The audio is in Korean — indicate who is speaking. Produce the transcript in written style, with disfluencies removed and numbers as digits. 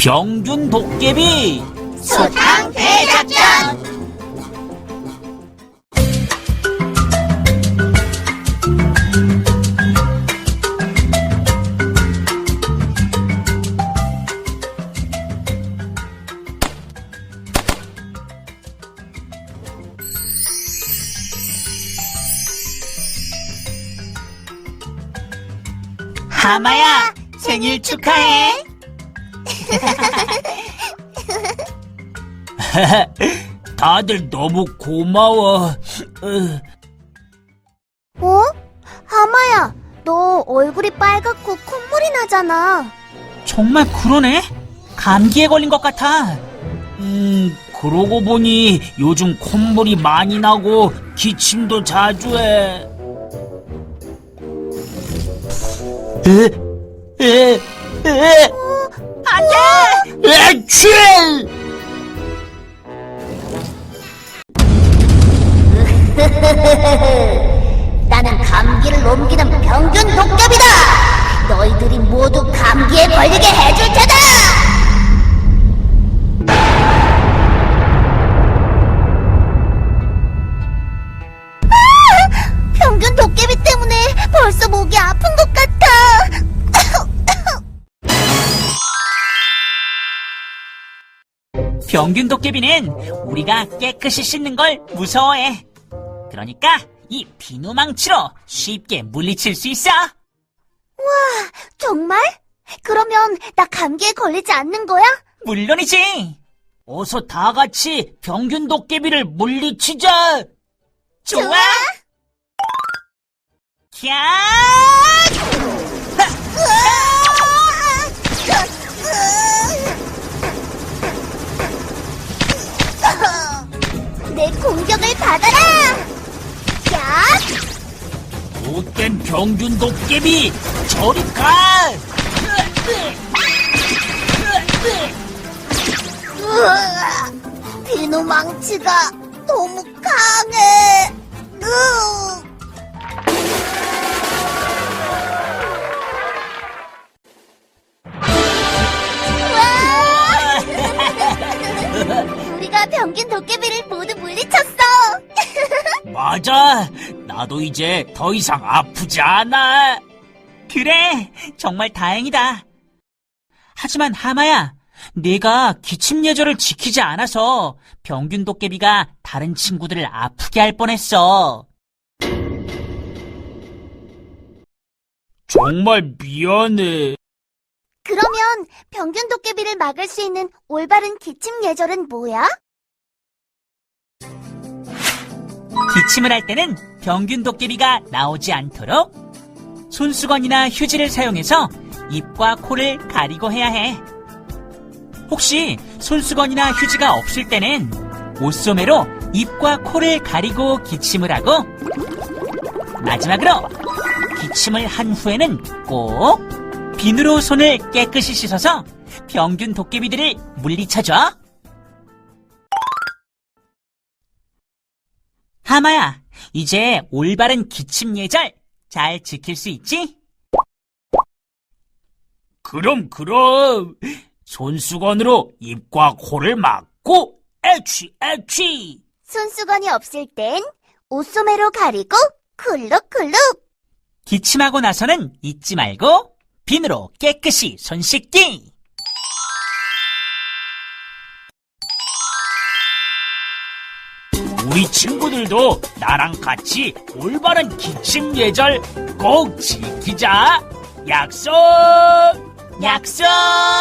Speaker 1: 병균 도깨비
Speaker 2: 수상 대작전!
Speaker 1: 하마야, 생일 축하해. 다들 너무 고마워.
Speaker 2: 하마야, 너 얼굴이 빨갛고 콧물이 나잖아.
Speaker 1: 정말 그러네? 감기에 걸린 것 같아. 그러고 보니 요즘 콧물이 많이 나고 기침도 자주 해. 안 돼! 애취!
Speaker 2: 나는 감기를 옮기는 병균 도깨비다! 너희들이 모두 감기에 걸리게 해줄 테다! 병균 도깨비 때문에 벌써 목이 아픈 것 같아!
Speaker 1: 병균 도깨비는 우리가 깨끗이 씻는 걸 무서워해. 그러니까 이 비누망치로 쉽게 물리칠 수 있어.
Speaker 2: 정말? 그러면 나 감기에 걸리지 않는 거야?
Speaker 1: 물론이지. 어서 다 같이 병균 도깨비를 물리치자. 좋아. 캬!
Speaker 2: 내 공격을 받아라! 야!
Speaker 1: 못된 병균 도깨비, 저리 가!
Speaker 2: 비누 망치가 너무 강해. 우리가 병균 도깨비를 모두 물리쳤어.
Speaker 1: 맞아. 나도 이제 더 이상 아프지 않아. 그래, 정말 다행이다. 하지만 하마야, 내가 기침 예절을 지키지 않아서 병균 도깨비가 다른 친구들을 아프게 할 뻔했어. 정말 미안해.
Speaker 2: 그러면 병균 도깨비를 막을 수 있는 올바른 기침 예절은 뭐야?
Speaker 1: 기침을 할 때는 병균 도깨비가 나오지 않도록 손수건이나 휴지를 사용해서 입과 코를 가리고 해야 해. 혹시 손수건이나 휴지가 없을 때는 옷소매로 입과 코를 가리고 기침을 하고, 마지막으로 기침을 한 후에는 꼭 비누로 손을 깨끗이 씻어서 병균 도깨비들을 물리쳐줘. 하마야, 이제 올바른 기침 예절 잘 지킬 수 있지? 그럼. 손수건으로 입과 코를 막고 애취.
Speaker 2: 손수건이 없을 땐 옷소매로 가리고 쿨룩쿨룩.
Speaker 1: 기침하고 나서는 잊지 말고 비누로 깨끗이 손 씻기. 우리 친구들도 나랑 같이 올바른 기침 예절 꼭 지키자. 약속!